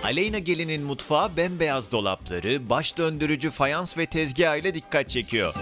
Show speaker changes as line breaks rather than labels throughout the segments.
Aleyna Gelin'in mutfağı bembeyaz dolapları, baş döndürücü fayans ve tezgah ile dikkat çekiyor.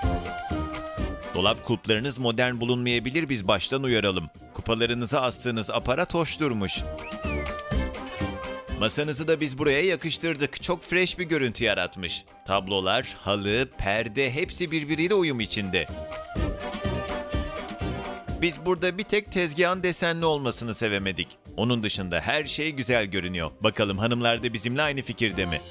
Dolap kulplarınız modern bulunmayabilir, biz baştan uyaralım. Kupalarınıza astığınız aparat hoş durmuş. Masanızı da biz buraya yakıştırdık. Çok fresh bir görüntü yaratmış. Tablolar, halı, perde hepsi birbiriyle uyum içinde. Biz burada bir tek tezgahın desenli olmasını sevemedik. Onun dışında her şey güzel görünüyor. Bakalım hanımlar da bizimle aynı fikirde mi?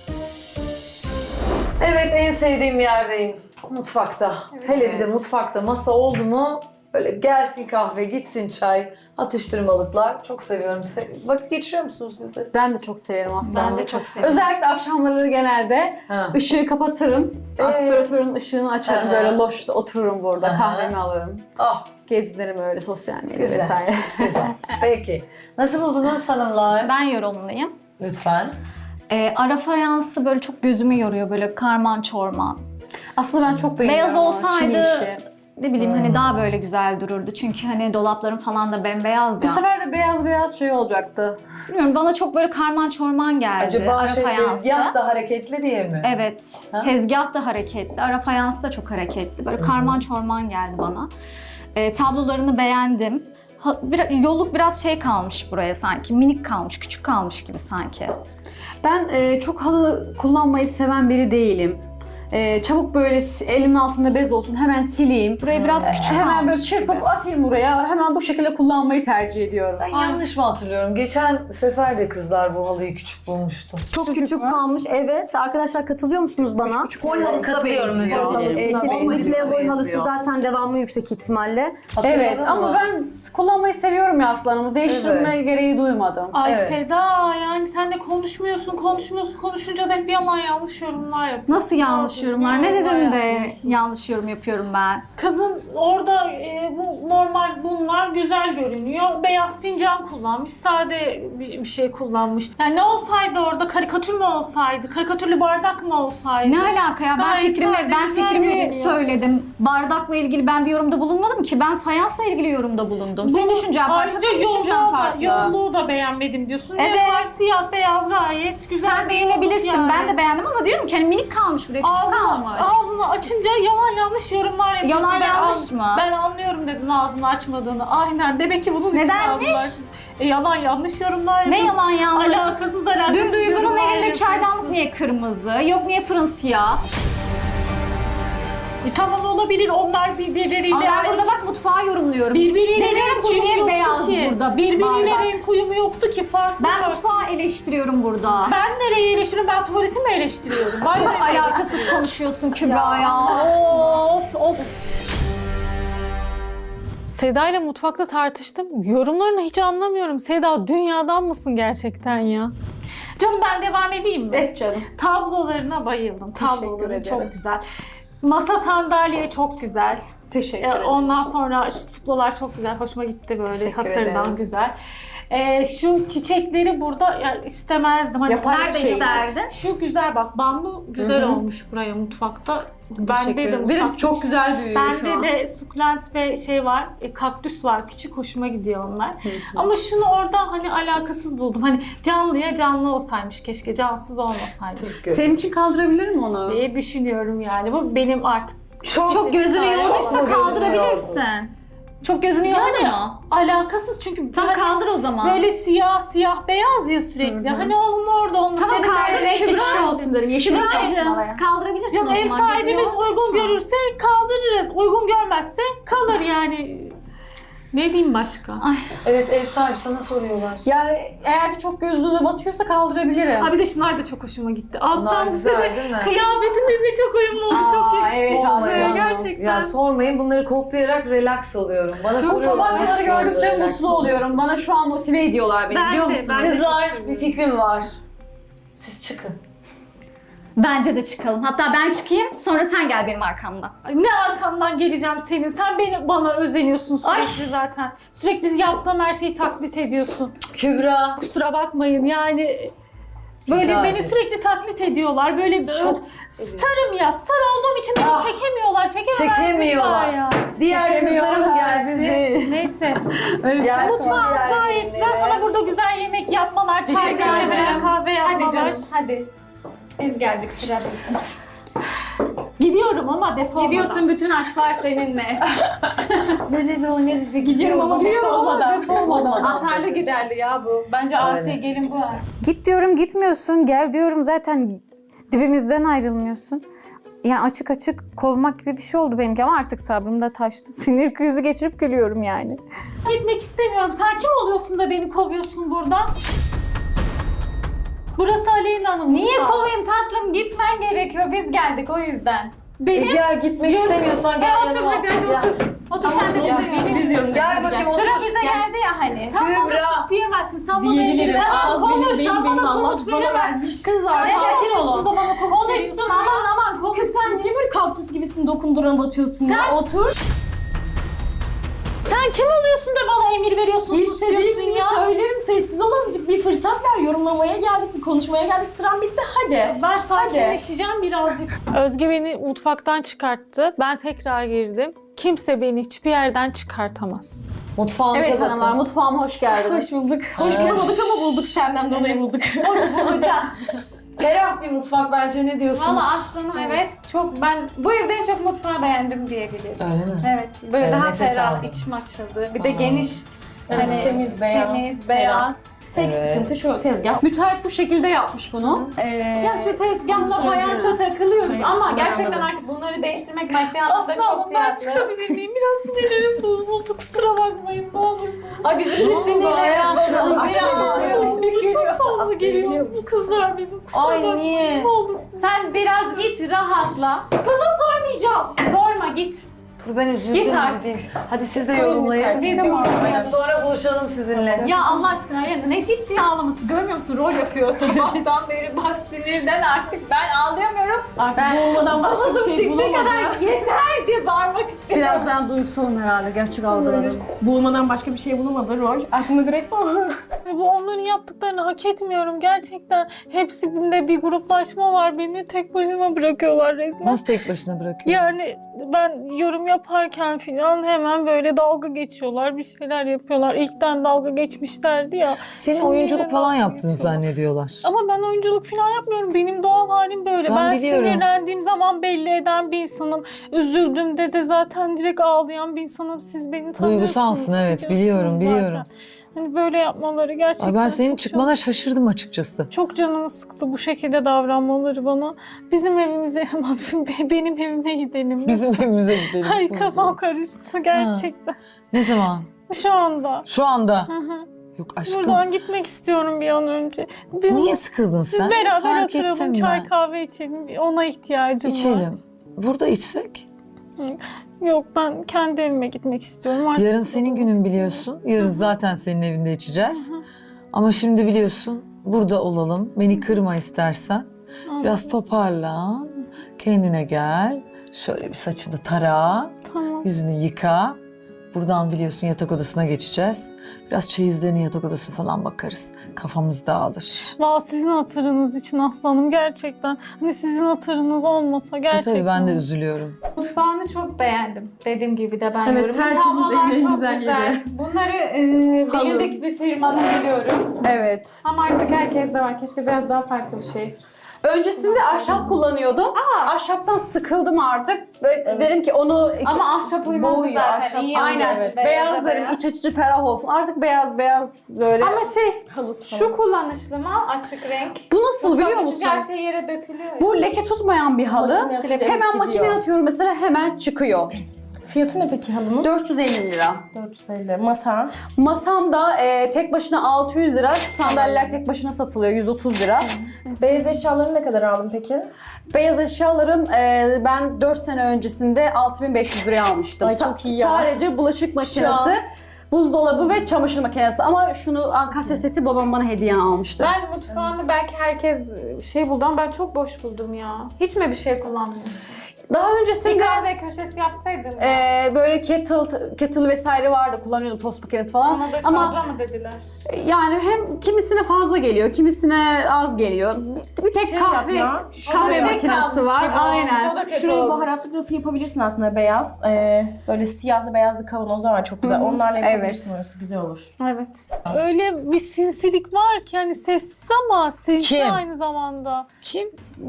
Evet, en sevdiğim yerdeyim. Mutfakta. Hele bir de mutfakta masa oldu mu böyle gelsin kahve, gitsin çay, atıştırmalıklar. Çok seviyorum. Vakit geçiriyor musunuz siz de?
Ben de çok severim aslında.
Ben de çok severim.
Özellikle akşamları genelde
Ha.
ışığı kapatırım. Aspiratörün ışığını açarım.
Aha.
Böyle loşta otururum burada.
Aha.
Kahvemi alırım.
Ah,
Gezinirim öyle sosyal medya
güzel.
vesaire.
Güzel. Peki. Nasıl buldunuz hanımlar?
Ben yorumlayayım.
Lütfen.
Ara fayansı böyle çok gözümü yoruyor, böyle karman çorman.
Aslında ben çok beğeniyorum.
Beyaz
ama Çin
olsaydı
işi.
ne bileyim hani daha böyle güzel dururdu. Çünkü hani dolapların falan da bembeyaz
Bu
ya.
sefer de beyaz beyaz şey olacaktı.
Bilmiyorum, bana çok böyle karman çorman geldi.
Acaba
ara fayansı.
tezgah da hareketli diye mi?
Evet.
Ha?
Tezgah da hareketli. Ara fayans da çok hareketli. Böyle karman çorman geldi bana. Tablolarını beğendim. Yolluk biraz şey kalmış buraya sanki. Minik kalmış, küçük kalmış gibi sanki.
Ben çok halı kullanmayı seven biri değilim. Çabuk böyle elimin altında bez olsun hemen sileyim.
Buraya biraz küçük
Hemen böyle
kalmış
çırpıp
gibi.
atayım buraya. Hemen bu şekilde kullanmayı tercih ediyorum.
Ben yanlış mı hatırlıyorum? Geçen sefer de kızlar bu halıyı küçük bulmuştu.
Çok küçük kalmış. Evet. Arkadaşlar katılıyor musunuz bana?
Boy halısına
Katılıyorum.
benziyor.
Kesinlikle boy halısı zaten devamlı yüksek ihtimalle.
Evet
Hatırladın
ama
mı?
ben kullanmayı seviyorum ya aslanım. Değiştirme gereği duymadım.
Ay
Evet.
Seda, yani sen de konuşunca da hep yalan yanlış yorumlar yapıyorsun.
Nasıl yanlış yorumlar? Ne dedim de yanlış yorum yapıyorum ben?
Kızın orada bu normal bunlar güzel görünüyor. Beyaz fincan kullanmış, sade bir şey kullanmış. Yani ne olsaydı orada, karikatür mü olsaydı, karikatürlü bardak mı olsaydı?
Ne alaka ya?
Gayet sade, güzel görünüyor.
Söyledim. Bardakla ilgili ben bir yorumda bulunmadım ki. Ben fayansla ilgili yorumda bulundum. Senin düşüncen farklı,
Ayrıca
benim düşüncem farklı.
yolluğu da beğenmedim diyorsun.
Evet.
Ne var? Siyah beyaz gayet güzel.
Sen
bir
beğenebilirsin.
yolluk yani.
Ben de beğendim ama diyorum ki hani minik kalmış buraya, küçük kalmış.
Ağzını açınca yalan yanlış yorumlar yapıyorsun.
Yalan
Ben
yanlış mı?
Ben anlıyorum dedin ağzını açmadığını. Aynen. Demek ki bunun için
Nedenmiş?
ağzını açtın. Yalan yanlış yorumlar
Ne
yapıyorsun.
yalan yanlış?
Alakasız
Dün Duygu'nun
yorumlar
evinde
yapıyorsun.
çaydanlık niye kırmızı? Yok niye fırın siyah?
Tamam, olabilir. Onlar birbirleriyle...
Ama ben burada bak mutfağı yorumluyorum.
Birbiriyle
Demiyorum
renk
ki
uyumu
niye
yoktu
beyaz
ki.
burada
Birbiriyle
bardak?
renk uyumu yoktu ki. Farklı.
Ben mutfağı eleştiriyorum burada.
Ben nereye eleştiriyorum? Ben tuvaleti mi eleştiriyorum? Ben
Çok
nereye
alakasız konuşuyorsun Kübra ya.
Of. Seda ile mutfakta tartıştım. Yorumlarını hiç anlamıyorum. Seda, dünyadan mısın gerçekten ya? Canım, ben devam edeyim mi?
Evet canım.
Tablolarına bayıldım.
Teşekkür
Tabloları
ederim.
çok güzel. Masa sandalye çok güzel.
Teşekkür ederim.
Ondan sonra şu suplolar çok güzel. Hoşuma gitti böyle.
Teşekkür
Hasırdan
ederim.
güzel. Şu çiçekleri burada yani istemezdim. Hani
Yapar
Nerede
şey.
isterdin?
şu güzel, bak bambu güzel olmuş buraya mutfakta. Bende de
Benim
mutfakta.
çok güzel büyüyor şu an.
Bende de sukulent ve şey var, kaktüs var. Küçük, hoşuma gidiyor onlar. Ama şunu orada hani alakasız buldum. Hani canlıya canlı olsaymış keşke, cansız olmasaymış
Senin için kaldırabilirim onu.
diye düşünüyorum yani. Bu benim artık
Çok gözünü
Çok
yorduysa
mu gözünü
kaldırabilirsin. Çok gözünü yordu
yani
mu?
alakasız çünkü
Tam
hani
kaldır o zaman.
böyle siyah beyaz ya sürekli. Hani onun orada olması.
Tamam,
Senin
kaldır,
de-
renkli
Kübra
bir şey
olsun derim. Yeşil olsun
Kübra'cığım
araya.
kaldırabilirsin
Canım,
o
ev
zaman.
sahibimiz
Gözünü
uygun
yorduysa.
görürse kaldırırız. Uygun görmezse kalır yani. Ne diyeyim başka?
Evet, ev sahibi sana soruyorlar.
Yani eğer ki çok gözüne batıyorsa kaldırabilirim.
Ha, bir de şunlar da çok hoşuma gitti. Alttan
güzel değil mi?
kıyafetinizle çok uyumlu oldu. Çok yakışıklı.
evet,
oldu.
aslında.
Gerçekten.
Ya sormayın, bunları koklayarak relax oluyorum. Bana
Çok
soruyorlar.
papatyaları
nasıl oluyor
gördükçe
relax
mutlu
olması?
oluyorum. Bana şu an motive ediyorlar beni,
Ben
biliyor
de,
musun?
ben de.
Kızlar, bir fikrim var. Siz çıkın.
Bence de çıkalım. Hatta ben çıkayım, sonra sen gel benim arkamdan.
Ay, ne arkamdan geleceğim senin? Sen bana özeniyorsun sürekli
Ay.
zaten. Sürekli yaptığım her şeyi taklit ediyorsun.
Kübra.
Kusura bakmayın yani. Böyle
Güzel.
beni sürekli taklit ediyorlar. Böyle
Çok
starım ya. Star olduğum için beni
Ah.
çekemiyorlar.
Çekemiyorlar.
Ya.
Diğer kızlarım gelsin.
bizi.
Neyse.
Gelsin
Mutfağım
diğer
gayet güzel.
gelinlere.
Sana burada güzel yemek yapmalar, çay
Teşekkür
demlemeler,
ederim.
kahve yapmalar.
hadi. Biz geldik, sıra bizde.
Gidiyorum ama defolmadan.
Gidiyorsun, bütün aşklar seninle.
Ne dedi o, ne dedi?
Gidiyorum ama defolmadan.
Atarlı giderli ya bu. Bence Asiye gelin bu.
Git diyorum gitmiyorsun, gel diyorum zaten dibimizden ayrılmıyorsun. Yani açık açık kovmak gibi bir şey oldu benimki ama artık sabrım da taştı. Sinir krizi geçirip gülüyorum yani.
Gitmek istemiyorum. Sen kim oluyorsun da beni kovuyorsun buradan? Burası Aleyna Hanım.
Niye
mutfağı.
kovayım tatlım? Gitmen gerekiyor. Biz geldik o yüzden.
Beni
Ya gitmek istemiyorsan gel
Otur
yanıma
hadi hadi
Ya.
otur. Otur sen de bizle gel.
Gel bakayım otur.
Sıra bize geldi ya hani.
Sen bana
Kübra.
sus diyemezsin. Sen bana
Diyebilirim.
emir veremezsin.
Ağız benim,
Konuş,
beyin
sen
benim,
bana
Allah
komut
bana
veremezsin.
vermiş.
Kızlar
Sen
sakin
konuşsun
olun.
da bana komut veriyorsun.
Konuşsun aman konuş.
Kız sen niye böyle kaktüs gibisin dokundurana batıyorsun ya? Otur.
Sen kim oluyorsun da bana emir veriyorsun, sus diyorsun
İstediğimi
ya?
söylerim. Sessiz ol azıcık. Bir fırsat ver. Yorumlamaya geldik, bir konuşmaya geldik. Sıram bitti. Hadi.
Ben sakinleşeceğim birazcık. Özge beni mutfaktan çıkarttı. Ben tekrar girdim. Kimse beni hiçbir yerden çıkartamaz.
Mutfağımıza
Evet
bakın.
hanımlar, mutfağıma hoş geldiniz.
Hoş bulduk. Hoş bulamadık ama bulduk. Senden dolayı bulduk.
Hoş bulacağız.
Ferah bir mutfak bence, ne diyorsunuz?
Valla aslanım evet. Çok ben bu evde en çok mutfağı beğendim diyebilirim.
Öyle mi?
Evet. Böyle
Ben
daha
nefes
ferah,
aldım.
içim açıldı. Bir de
Aa.
geniş. Hani
Temiz, beyaz,
Temiz,
ferah.
beyaz.
Tek
Evet.
sıkıntı şu tezgah.
Müteahhit bu şekilde yapmış bunu.
Ya şu tezgahla fayansa takılıyoruz ama gerçekten artık bunları değiştirmek maddi anlamda
Aslı
çok
Hanım ben
fiyatlı.
çıkabilir miyim? Biraz sinirlerim bozuldu. Kusura bakmayın ne olursunuz.
Ay bizim
Ne oldu hayatım?
Çok fazla geliyor. Bu kızlar benim. Kusura
Ay,
bakmayın,
niye?
Ne olursun.
Sen biraz git rahatla.
Sana sormayacağım.
Sorma git.
Dur ben üzüldüm,
Git artık.
gideyim. Hadi siz de
Sorun
yorumlayın.
istersen.
Biz yorumlayalım.
Sonra buluşalım sizinle.
Ya Allah aşkına ya ne ciddi ağlaması görmüyor musun? Rol yapıyor sabahtan beri bak sinirden artık ben ağlayamıyorum.
Artık boğulmadan başka
Ağzım
bir şey
çıktığı
bulamadım.
kadar yeter diye bağırmak istiyorum.
Biraz ben duygusalım herhalde, gerçek algılarım.
Boğulmadan başka bir şey bulamadı rol. Aklımda direkt o.
Bu onların yaptıklarını hak etmiyorum gerçekten. Hepsinde bir gruplaşma var. Beni tek başıma bırakıyorlar resmen.
Nasıl tek başına bırakıyor?
Yani ben yorum yaparken falan hemen böyle dalga geçiyorlar, bir şeyler yapıyorlar. İlkten dalga geçmişlerdi ya.
Senin
Şimdi
oyunculuk
yine
falan
dalga
yaptığını
geçiyorlar.
zannediyorlar.
Ama ben oyunculuk falan yapmıyorum. Benim doğal halim böyle.
Ben biliyorum.
Sinirlendiğim zaman belli eden bir insanım. Üzüldüğümde de zaten direkt ağlayan bir insanım. Siz beni tanıyorsunuz.
Duygusalsın, evet, biliyorum,
biliyorsunuz
biliyorum.
zaten. Hani böyle yapmaları gerçekten
Ay ben senin
çok
çıkmana şaşırdım açıkçası.
çok canımı sıktı bu şekilde davranmaları bana. Bizim evimize ama benim evime gidelim.
Bizim evimize gidelim.
Ay kafam karıştı gerçekten.
Ne zaman?
Şu anda.
Şu anda.
Hı hı.
Yok aşkım.
Buradan gitmek istiyorum bir an önce.
Niye sıkıldın
Siz
sen?
beraber
Fark
oturalım,
ettim
çay
ben.
kahve içelim. Ona ihtiyacım var.
İçelim. Burada içsek?
Yok ben kendi evime gitmek istiyorum. Artık
Yarın senin günün biliyorsun. Yarın zaten senin evinde içeceğiz. Ama şimdi biliyorsun burada olalım. Beni kırma istersen. Biraz toparlan. Kendine gel. Şöyle bir saçını tara.
Tamam.
Yüzünü yıka. Buradan biliyorsun yatak odasına geçeceğiz. Biraz çeyizlerini yatak odası falan bakarız. Kafamız dağılır.
Valla sizin hatırınız için aslanım gerçekten. Hani sizin hatırınız olmasa gerçekten.
Tabii ben de üzülüyorum.
Mutfağını çok beğendim. Dediğim gibi de ben
Evet,
yorumu.
tertemiz,
Tablolar
en
çok
güzel
güzel.
yeri.
Bunları bilindik bir firmanın biliyorum.
Evet.
Ama artık herkes de var. Keşke biraz daha farklı bir şey.
Öncesinde ahşap kullanıyordum. Ahşaptan sıkıldım artık. Böyle dedim ki onu
Ama ahşap uymaz
Boğuyor,
zaten.
ahşap
İyi
aynen
oldu.
evet.
beyaz derim,
beyaz.
iç açıcı ferah olsun. Artık beyaz böyle.
Ama şey,
Halısı
şu kullanışlı mı? Açık renk.
bu nasıl biliyor
Tabii
musun?
çünkü her şey yere dökülüyor. ya.
Bu leke tutmayan bir halı.
Makine atınca
Hemen
evet
makineye
gidiyor.
atıyorum mesela, hemen çıkıyor.
Fiyatı ne peki halının?
450 lira.
450. Masa.
Masamda tek başına 600 lira. Şu sandalyeler tek başına satılıyor 130 lira.
Beyaz eşyaları ne kadar aldın peki?
Beyaz eşyalarım ben 4 sene öncesinde 6500 liraya almıştım.
Ay, çok iyi ya.
Sadece bulaşık makinesi, buzdolabı ve çamaşır makinesi. Ama şunu Ankasya seti babam bana hediye almıştı.
Ben mutfağını belki herkes şey buldu ama ben çok boş buldum ya. Hiç mi bir şey kullanmıyorsun?
Daha
Bir
öncesinde
kahve köşesi yapsaydın.
böyle kettle vesaire vardı. Kullanıyordum, tost makinesi falan.
Ona da
Ama
fazla mı dediler?
yani hem kimisine fazla geliyor, kimisine az geliyor. Bir tek
Şey
kahve
yap ya,
kahve
şöyle
makinesi
kalmış
var.
gibi olmuş.
Aynen.
O da kötü
Şuraya
olmuş.
baharatlı rafı yapabilirsin aslında beyaz. Böyle siyahlı beyazlı kavanozlar var çok güzel. Onlarla yapabilirsin, orası güzel olur.
Evet.
Öyle bir sinsilik var ki hani sessiz ama sinsi
Kim?
aynı zamanda.
Kim?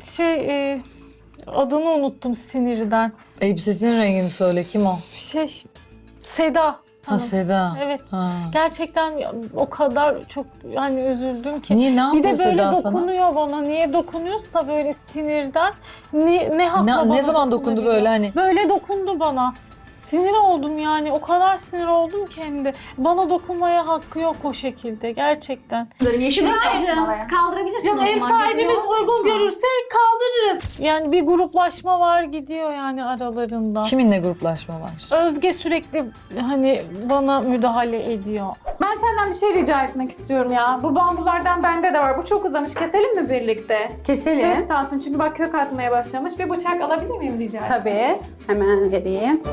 Adını unuttum sinirden.
Elbisesinin rengini söyle. Kim o?
Seda.
Ha,
Hanım.
Seda.
Evet.
Ha.
Gerçekten o kadar çok hani üzüldüm ki.
Niye, ne
Bir de
yapıyor
böyle
Seda sana?
dokunuyor bana. Niye dokunuyorsa böyle sinirden. Ne hakla
Ne
bana
zaman dokundu
dokunabiliyor?
böyle hani?
Böyle dokundu bana. Sinir oldum yani. O kadar sinir oldum ki hem de. Bana dokunmaya hakkı yok o şekilde. Gerçekten.
Yeşil
Şuracığım kaldırabilirsin
Canım
o
ev
zaman.
sahibimiz
Gözünü
uygun
yormasın.
görürse kaldırırız. Yani bir gruplaşma var gidiyor yani aralarında.
Kiminle gruplaşma var?
Özge sürekli hani bana müdahale ediyor.
Ben senden bir şey rica etmek istiyorum ya. Bu bambulardan bende de var. Bu çok uzamış. Keselim mi birlikte?
Keselim.
Kök salsın çünkü bak kök atmaya başlamış. Bir bıçak alabilir miyim rica etsem?
Tabii. Hemen vereyim.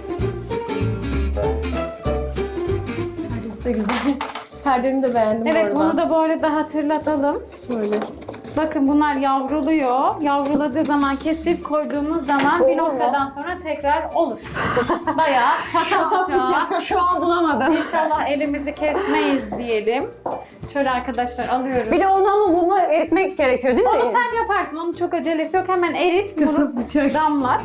Çok güzel. Perdemi de beğendim bu
Evet
arada.
bunu da bu arada hatırlatalım.
Şöyle.
Bakın bunlar yavruluyor. Yavruladığı zaman kesip koyduğumuz zaman bir noktadan sonra tekrar olur. Bayağı kasap
Şu an bulamadım.
İnşallah elimizi kesmeyiz diyelim. Şöyle arkadaşlar alıyorum.
Bir de onu ama bunu eritmek gerekiyor değil mi?
Onu sen yaparsın. Onun çok acelesi yok. Hemen erit. Bunu
bıçak.
damlat.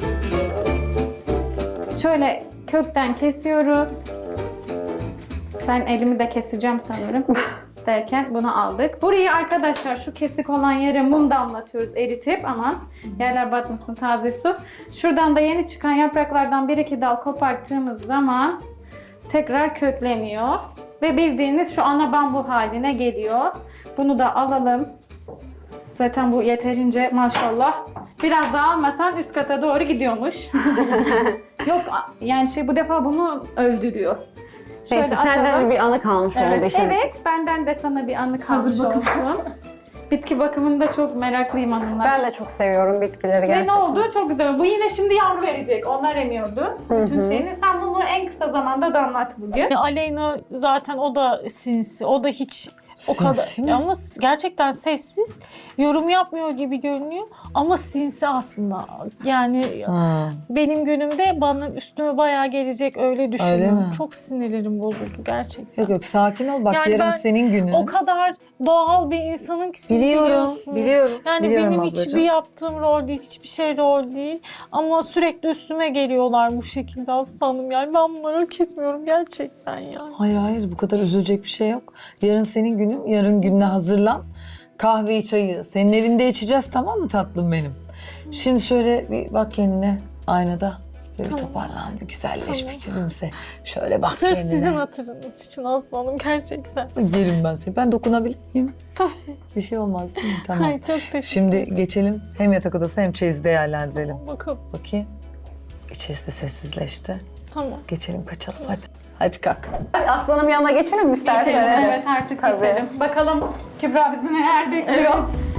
Şöyle kökten kesiyoruz. Ben elimi de keseceğim sanırım. Derken bunu aldık. Burayı arkadaşlar şu kesik olan yere mum damlatıyoruz eritip, aman yerler batmasın, taze su. Şuradan da yeni çıkan yapraklardan 1-2 dal koparttığımız zaman tekrar kökleniyor. Ve bildiğiniz şu ana bambu haline geliyor. Bunu da alalım. Zaten bu yeterince maşallah. Biraz daha almasan üst kata doğru gidiyormuş. Yok yani bu defa bunu öldürüyor.
Neyse senden bir anı kalmış oldu. şimdi.
Evet, benden de sana bir anı kalmış olsun. Bitki bakımında çok meraklıyım hanımlar.
Ben de çok seviyorum bitkileri
Ve
gerçekten.
ne oldu? Çok güzel. Bu yine şimdi yavru verecek. Onlar emiyordu bütün şeyini. Sen bunu en kısa zamanda damlat bugün.
Yani Aleyna zaten o da sinsi. O da hiç o
Sinsi
kadar
mi?
ama gerçekten sessiz, yorum yapmıyor gibi görünüyor ama sinsi aslında. Yani
Ha.
benim günümde bana üstüme bayağı gelecek öyle düşünüyorum.
mi?
Çok sinirlerim bozuldu gerçekten.
Yok yok, sakin ol. Bak
Yani
yarın
ben
senin günün.
O kadar doğal bir insanım ki siz
Biliyorum,
biliyorsunuz.
biliyorum.
Yani
biliyorum
benim
ablacığım.
hiçbir yaptığım rol değil, hiçbir şey rol değil. Ama sürekli üstüme geliyorlar bu şekilde aslanım. Yani ben bunları hak etmiyorum gerçekten ya.
Hayır hayır, bu kadar üzülecek bir şey yok. Yarın senin günün, yarın gününe hazırlan. Kahveyi, çayı senin evinde içeceğiz, tamam mı tatlım benim? Şimdi şöyle bir bak kendine aynada. Böyle bir toparlan, bir güzelleş,
Tamam.
bir gülümse. Şöyle bak
Sırf
kendine.
sizin hatırınız için aslanım gerçekten.
Yerim ben seni. Ben dokunabilir miyim?
Tabii.
Bir şey olmaz değil mi? Tamam.
Ay çok teşekkür
Şimdi geçelim. Hem yatak odası hem çeyizi değerlendirelim.
Bakalım.
Bakayım. İçerisi de sessizleşti.
Tamam.
Geçelim, kaçalım hadi. Hadi kalk.
Aslanım yanına geçelim mi istersen?
Evet artık
Tabii.
geçelim. Bakalım Kübra bizi neler bekliyor.